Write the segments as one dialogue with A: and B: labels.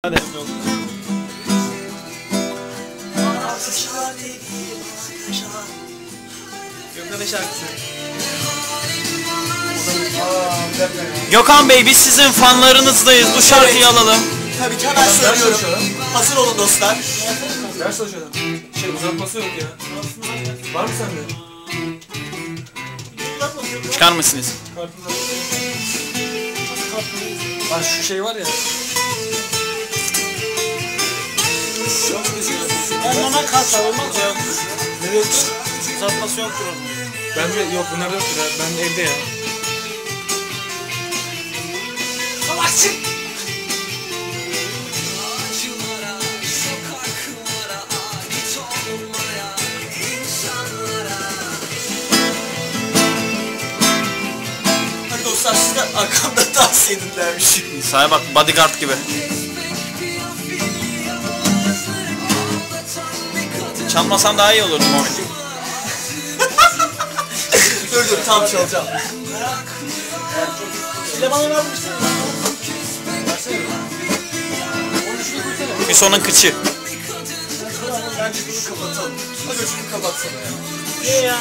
A: Hadi.
B: Gökhan'ın şarkısı.
A: Gökhan Bey, biz sizin fanlarınızdayız. Bu şarkıyı alalım.
C: Tabii ki hemen söylüyorum. Hazır olun dostlar.
B: Ders çalışalım. Uzatması yok ya. Var mı sende?
A: Çıkar mısınız?
B: Lan şu şey var ya.
C: Onlara kalsa olmaz ya.
B: Ne yoktu?
C: Uzatması yoktur onun.
B: Bende yok, bunlar yoktur ya. Ben evde ya.
C: Savaşçı! Hadi dostlar, siz de arkamda dans edin dermiş.
A: Sağa bak, bodyguard gibi. Çalmasan daha iyi olurdu Muhammed.
C: Dur tam çalacağım. Bile bana vermişsin.
A: Hüson'un kıçı.
C: Bence bunu kapatalım. Hadi şunu kapatsana ya. Ne ya?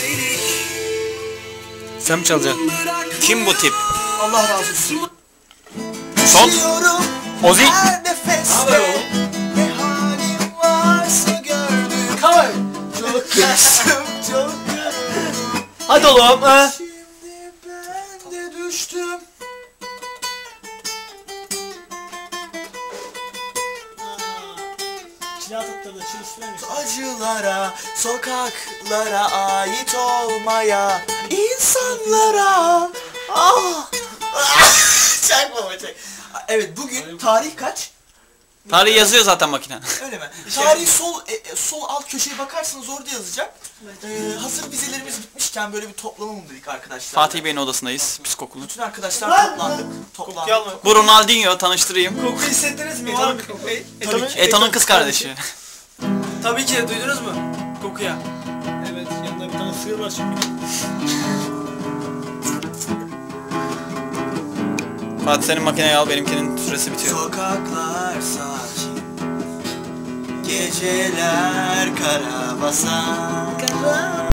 B: Sen mi çalacaksın?
A: Kim bu tip?
C: Allah razı olsun.
A: Son. Ozi.
C: Her nefeste ne halim varsa gördüm. Kavay. Çok kaçtım, çok gördüm.
B: Hadi oğlum.
C: Şimdi ben de düştüm. Acılara, sokaklara ait olmaya, insanlara. Ah! Çak baba çak. Evet, bugün tarih kaç?
A: Tarih yazıyor zaten makine.
C: Öyle mi? Tarih sol alt köşeye bakarsanız orada yazacak. Hazır vizelerimiz bitmişken böyle bir toplanalım dedik arkadaşlar.
A: Fatih Bey'in odasındayız, psikokulu.
C: Bütün arkadaşlar toplandık.
A: Bu Ronaldinho, tanıştırayım.
B: Koku hissettiniz mi?
A: Eto'nun kız kardeşi.
B: Tabii ki, duydunuz mu? Kokuya.
C: Evet, yanında bir tane sığır var şimdi.
A: Fatih, senin makineyi al, benimkinin süresi bitiyor.
C: Sokaklar sakin, geceler kara basan.